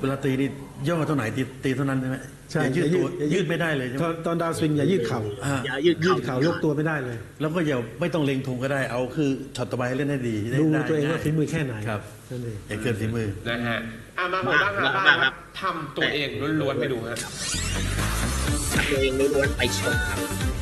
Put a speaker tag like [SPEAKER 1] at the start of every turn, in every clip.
[SPEAKER 1] เวลาตีนี่ย่อเท่าไหนตีเท่านั้นใช่ไหม
[SPEAKER 2] ใช่
[SPEAKER 1] อย่ายืดตัวยืดไม่ได้เลยใช่ไหม
[SPEAKER 2] ตอนดาวสวิงอย่ายืดเข่า
[SPEAKER 3] อย่ายืด
[SPEAKER 2] ยื
[SPEAKER 3] เข่า
[SPEAKER 2] ดเข่ายกตัวไม่ได้เลย
[SPEAKER 1] แล้วก็อย่าไม่ต้องเล็งธงก็ได้เอาคือช็อตต่อไปให้เล่นให้ดี
[SPEAKER 2] ดู
[SPEAKER 1] ได้
[SPEAKER 2] ตัวเองว่า
[SPEAKER 1] ง่ย
[SPEAKER 2] ฝีมือแค่ไหน
[SPEAKER 1] ครับ
[SPEAKER 2] นั่นเอง
[SPEAKER 1] อย่าเกินฝีมือ
[SPEAKER 4] นะฮะมาหัวบ้างหาบ้างครับทำตัวเองล้วนๆไปดูฮะ
[SPEAKER 3] ตัวเองล้วนๆไปชมครับ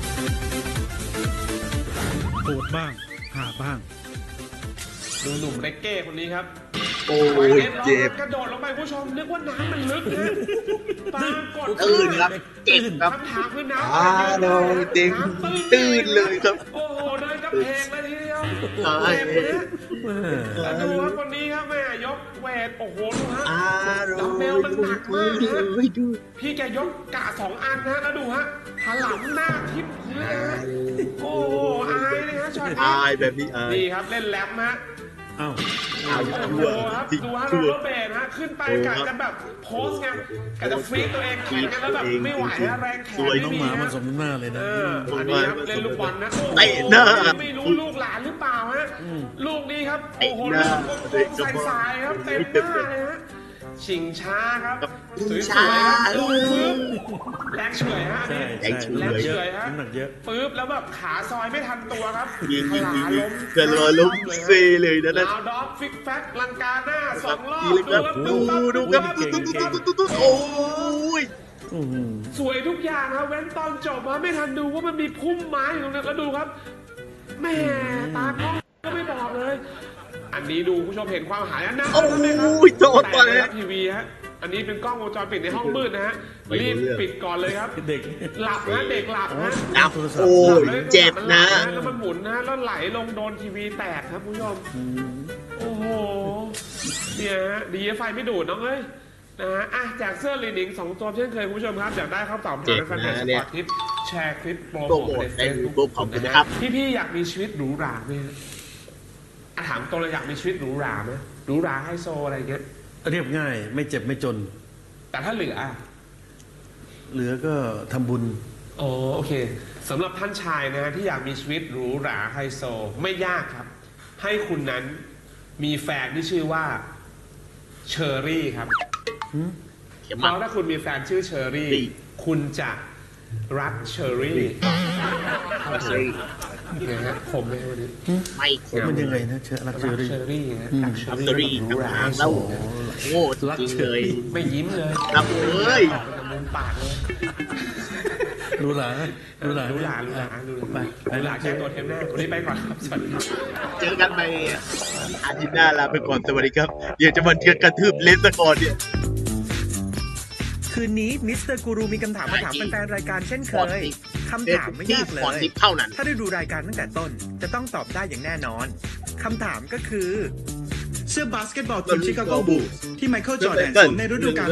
[SPEAKER 5] โหดบ้างหาบ้าง
[SPEAKER 4] ดูหนุ่มเรกเก้คนนี้ครับ
[SPEAKER 3] โอ้ยเจ็บ
[SPEAKER 4] กระโดดลงไปผู้ชมนึกว่าน้ำมันลึกนะปรากฏ
[SPEAKER 3] ตื่นครับเจ็บครับ
[SPEAKER 4] คำถามคือน้ำ
[SPEAKER 3] โดนเต็มตื่นเลยครับ
[SPEAKER 4] โอ้โหเดินกระเพงเลยทีเดียว
[SPEAKER 3] ตาย
[SPEAKER 4] เจ็บนะแล้วดูว่าคนนี้ครับแม่ยกเวทโอ้โหดูฮะ ดัมเบลมันหนักมากนะ
[SPEAKER 3] ดู
[SPEAKER 4] พี่แกยกกะ2 อันนะแล้วดูฮะถลำหน้าทิพย์พื้นเลยฮะโอ้โหอายเลยฮะช็อตนี้
[SPEAKER 3] อายแบบนี้อาย
[SPEAKER 4] นี่ครับเล่นแรมฮะ
[SPEAKER 1] อ้าว
[SPEAKER 3] อาย
[SPEAKER 4] โอ้
[SPEAKER 3] ชั่
[SPEAKER 4] โห
[SPEAKER 3] ว
[SPEAKER 4] ครับ
[SPEAKER 3] จริง
[SPEAKER 4] ดูฮะ
[SPEAKER 3] ชั่ว
[SPEAKER 4] โรเบร์ตฮะขึ้นไปกะจะแบบโพสไงกะจะฟรีตัวเองแข่งกันแล้วแบบไม่ไหวฮะแรงแขน
[SPEAKER 1] ไอ้
[SPEAKER 4] ไม่
[SPEAKER 1] น้อง
[SPEAKER 4] มี
[SPEAKER 1] หมามัน
[SPEAKER 4] ฮะ
[SPEAKER 1] สมน้ำหน้าเลยนะ
[SPEAKER 4] อันนี้ครับเล่นลูกบอลนะโอ้โห
[SPEAKER 3] เตะหน้า
[SPEAKER 4] ไม่รู้ลูกหลานหรือเปล่าฮะลูกนี้ครับ
[SPEAKER 3] เตะ
[SPEAKER 4] โอ้โห
[SPEAKER 3] ห
[SPEAKER 4] ลู
[SPEAKER 3] น้า
[SPEAKER 4] กกลมๆใสๆครับเต็มหน้าเลยฮะชิงช้าครับสวยๆครับลูกปึ๊บแรงเฉยฮะ
[SPEAKER 1] ใช่
[SPEAKER 4] นี่
[SPEAKER 1] ใช่
[SPEAKER 4] แรงเฉยฮะ
[SPEAKER 1] น้ำหนักเยอะ
[SPEAKER 4] ปึ๊บแล้วแบบขาซอยไม่ทันตัวครับ
[SPEAKER 3] ยิง
[SPEAKER 4] ขลาล้ม
[SPEAKER 3] เกินร้อยล้มเซเลยนะนั่น
[SPEAKER 4] ลาวดอฟฟิกแฟกลังกาหน้า2 รอบ
[SPEAKER 3] ดีเลยครับดูครับดูโอ้ย
[SPEAKER 1] อื้อหือ
[SPEAKER 4] สวยทุกอย่างครับเว้นตอนจบมาไม่ทันดูว่ามันมีพุ่มไม้อยู่ตรงนั้นแล้วดูครับแหม่ตากล้องก็ไม่บอกเลย อันนี้ดูผู้ชมเห็นความหายอันนั้น
[SPEAKER 3] โอ้
[SPEAKER 4] ไหมครับ
[SPEAKER 3] ยโดน
[SPEAKER 4] แต่
[SPEAKER 3] ไป
[SPEAKER 4] ในทีวีฮะอันนี้เป็นกล้องวงจรปิดในห้องมืดนะฮะรีบปิดก่อนเลยครับ
[SPEAKER 1] เด็ก
[SPEAKER 4] หลับนะเด็กหลับนะ
[SPEAKER 3] อับโอ้ยเจ็บนะ
[SPEAKER 4] แล้วมันหมุนนะแล้วไหลลงโดนทีวีแตกครับผู้ชมโอ้โหเนี่ยฮะดีไฟไม่ดูดน้องเอ้ยนะฮะอ่ะจากเสื้อลีนิง2 ตัวเช่นเคยคุณผู้ชมครับอยากได้คำตอบทางแฟนเพจสปอร์ตทิปแชร์คลิปโปร
[SPEAKER 3] โปร
[SPEAKER 4] โม
[SPEAKER 3] โม
[SPEAKER 4] ท
[SPEAKER 3] ท
[SPEAKER 4] ใน
[SPEAKER 3] ใน
[SPEAKER 4] เฟซ
[SPEAKER 3] ยู
[SPEAKER 4] บุ๊ก
[SPEAKER 3] ทูบขอบคุณนะครับ
[SPEAKER 4] พี่ๆอยากมีชีวิตหรูหราไหมฮะอ่ะถามตัวเลยอยากมีชีวิตหรูหราไหมหรูหราไฮโซอะไรเงี้ย
[SPEAKER 1] เรียบง่ายไม่เจ็บไม่จน
[SPEAKER 4] แต่ถ้าเหลืออ่ะ
[SPEAKER 1] เหลือก็ทำบุญ
[SPEAKER 4] อ๋อโอเคสำหรับท่านชายนะฮะที่อยากมีชีวิตหรูหราไฮโซไม่ยากครับ ให้คุณนั้นมีแฟนที่ชื่อว่าเชอรี่ครับ
[SPEAKER 3] เข็ม
[SPEAKER 4] เพ
[SPEAKER 3] มา
[SPEAKER 4] ราะถ้าคุณมีแฟนชื่อเชอรี่
[SPEAKER 3] ดี
[SPEAKER 4] คุณจะรักเชอรี่
[SPEAKER 3] เฮ้ย
[SPEAKER 4] นะฮะผมเลยวันนี้
[SPEAKER 3] ไม่
[SPEAKER 1] มันยังไงนะเชอรักเชอ
[SPEAKER 4] รัก
[SPEAKER 1] รี่
[SPEAKER 4] เชอรี่นะรักเชอ
[SPEAKER 3] อัพ
[SPEAKER 4] รี่
[SPEAKER 3] ตอรี่
[SPEAKER 4] หรูหราไฮโซ
[SPEAKER 3] แล้ว
[SPEAKER 4] นะ
[SPEAKER 3] โง่จริงเลย
[SPEAKER 4] ไม่ยิ้มเลย
[SPEAKER 3] ครับเอ้ย
[SPEAKER 4] ออกจากมุมปากเลย
[SPEAKER 1] รู้หลารู้หลา
[SPEAKER 4] หรูหราหรูหราหรูหราหรูหราแก้ตัวเทปหน้าวันนี้ไปก่อนครับสวัสดีครับ
[SPEAKER 3] เจอกันไปอาทิตย์หน้าลาไปก่อนสวัสดีครับเดี๋ยวจะมาเทียบกระทืบเลนสกอร์เนี่ย
[SPEAKER 6] คืนนี้มิสเตอร์กูรูมีคำถามมาถามแฟนๆรายการเช่นเคย คำถามไม่
[SPEAKER 3] ที่
[SPEAKER 6] ยากเล
[SPEAKER 3] ฟอน
[SPEAKER 6] ย
[SPEAKER 3] ทิปเท่านั้น
[SPEAKER 6] ถ้าได้ดูรายการตั้งแต่ต้น จะต้องตอบได้อย่างแน่นอน คำถามก็คือ เสื้อบาสเกตบอลทีมชิคาโกบูลส์ที่ไมเคิลจอร์แดนสวมในฤดูกาล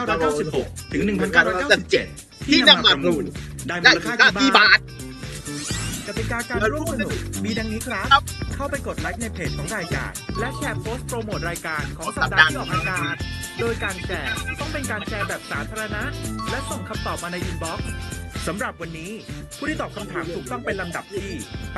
[SPEAKER 6] 1996 ถึง 1997 ที่นำมาประมูล ได้มูลค่า
[SPEAKER 3] กี่
[SPEAKER 6] กี่
[SPEAKER 3] บา
[SPEAKER 6] บา
[SPEAKER 3] ท
[SPEAKER 6] ท กติกาการร่วมสนุกมีดังนี้ครับ
[SPEAKER 3] ครับ
[SPEAKER 6] เข้าไปกดไลค์ในเพจของรายการ และแชร์โพสต์โปรโมทรายการของสัปดาห์ที่ออกอากาศ โดยการแชร์ต้องเป็นการแชร์แบบสาธารณะ และส่งคำตอบมาในอินบ็อกซ์สำหรับวันนี้ ผู้ที่ตอบคำถามถูกต้องเป็นลำดับที่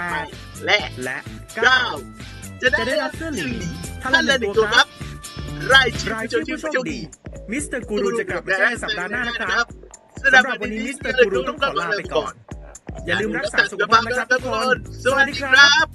[SPEAKER 6] 8
[SPEAKER 3] และ
[SPEAKER 6] และ
[SPEAKER 3] เก้า
[SPEAKER 6] 9
[SPEAKER 3] จะ
[SPEAKER 6] จะ
[SPEAKER 3] ได้
[SPEAKER 6] ได้
[SPEAKER 3] รั
[SPEAKER 6] รั
[SPEAKER 3] บบ
[SPEAKER 6] เสื้อหลิง
[SPEAKER 3] ท่า
[SPEAKER 6] ท่าน น
[SPEAKER 3] ละ
[SPEAKER 6] ละ
[SPEAKER 3] ห
[SPEAKER 6] ห
[SPEAKER 3] นึ่
[SPEAKER 6] นึ่
[SPEAKER 3] ง
[SPEAKER 6] ง
[SPEAKER 3] ตั
[SPEAKER 6] ตัว ว
[SPEAKER 3] ค
[SPEAKER 6] ค
[SPEAKER 3] รั
[SPEAKER 6] รั
[SPEAKER 3] บบ รายชื่อ
[SPEAKER 6] ราย
[SPEAKER 3] ผู้
[SPEAKER 6] ชื่อ
[SPEAKER 3] โช
[SPEAKER 6] ผู้
[SPEAKER 3] ค
[SPEAKER 6] โชค
[SPEAKER 3] ดี
[SPEAKER 6] ดี มิสเตอร์กูรูจะกลับมาแจ้งในสัปดาห์หน้านะครับ สำหรับวันนี้มิสเตอร์กูรูต้องขอลาไปก่อน อย่าลืมรักษาสุขภาพนะครับทุกคน
[SPEAKER 3] สวัสดีครับ